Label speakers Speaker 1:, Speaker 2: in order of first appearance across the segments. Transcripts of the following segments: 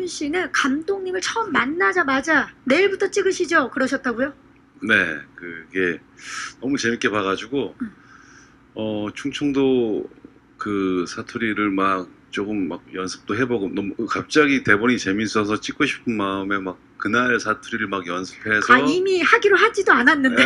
Speaker 1: 이희준 씨는 감독님을 처음 만나자마자 내일부터 찍으시죠? 그러셨다고요?
Speaker 2: 네, 그게 너무 재밌게 봐가지고 충청도 그 사투리를 막 조금 막 연습도 해보고 너무 갑자기 대본이 재밌어서 찍고 싶은 마음에 막 그날 사투리를 막 연습해서
Speaker 1: 아, 이미 하기로 하지도 않았는데.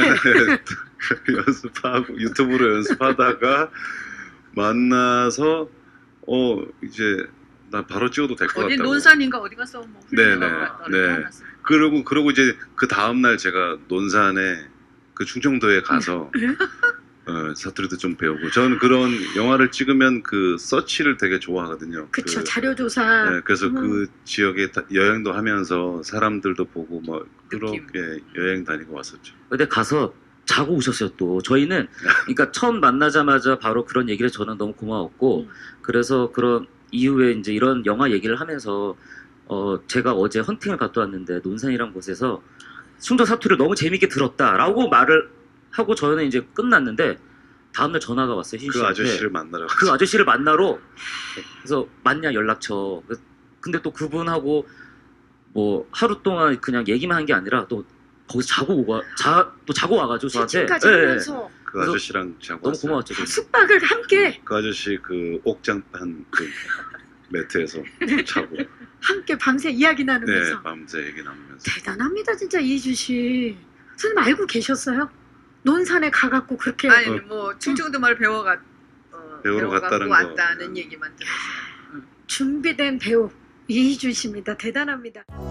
Speaker 2: 연습하고 유튜브로 연습하다가 만나서 이제 나 바로 찍어도 될 것
Speaker 3: 어디
Speaker 2: 같다고.
Speaker 3: 논산인가 어디 가서 뭐
Speaker 2: 네네,
Speaker 3: 훈련하고 왔다
Speaker 2: 네.
Speaker 3: 하면서.
Speaker 2: 그러고 이제 그 다음 날 제가 논산에 그 충청도에 가서 사투리도 좀 배우고 저는 그런 영화를 찍으면 그 서치를 되게 좋아하거든요.
Speaker 1: 그쵸, 자료조사.
Speaker 2: 네, 그래서 그 지역에 여행도 하면서 사람들도 보고 뭐
Speaker 3: 느낌.
Speaker 2: 그렇게 여행 다니고 왔었죠.
Speaker 4: 근데 가서 자고 오셨어요 또. 저희는 그러니까 처음 만나자마자 바로 그런 얘기를 저는 너무 고마웠고 그래서 그런 이후에 이제 이런 영화 얘기를 하면서 제가 어제 헌팅을 갔다 왔는데 논산이란 곳에서 충청 사투리를 너무 재밌게 들었다라고 말을 하고 저는 이제 끝났는데 다음날 전화가 왔어요.
Speaker 2: 그
Speaker 4: 신씨한테.
Speaker 2: 아저씨를 만나러
Speaker 4: 그 아저씨를 만나러 그래서 맞냐 연락처. 근데 또 그분하고 뭐 하루 동안 그냥 얘기만 한 게 아니라 또 거기서 자고 와가지고 저한테
Speaker 1: 치킨까지
Speaker 4: 예, 예.
Speaker 1: 하면서
Speaker 2: 그 아저씨랑 자고
Speaker 4: 너무
Speaker 2: 왔어요.
Speaker 4: 고마웠죠. 저는.
Speaker 1: 숙박을 함께
Speaker 2: 그 아저씨 그 옥장판 그 매트에서 자고
Speaker 1: 함께 밤새 이야기
Speaker 2: 네
Speaker 1: 나누면서.
Speaker 2: 밤새 얘기 나누면서
Speaker 1: 대단합니다, 진짜 이희준 씨. 선생님 알고 계셨어요? 논산에 가갖고 그렇게.
Speaker 3: 아니 뭐 충청도 말 배워가
Speaker 2: 배우러
Speaker 3: 배워갖고
Speaker 2: 갔다는 거.
Speaker 3: 왔다는 얘기만 들었어요.
Speaker 1: 준비된 배우 이희준 씨입니다. 대단합니다.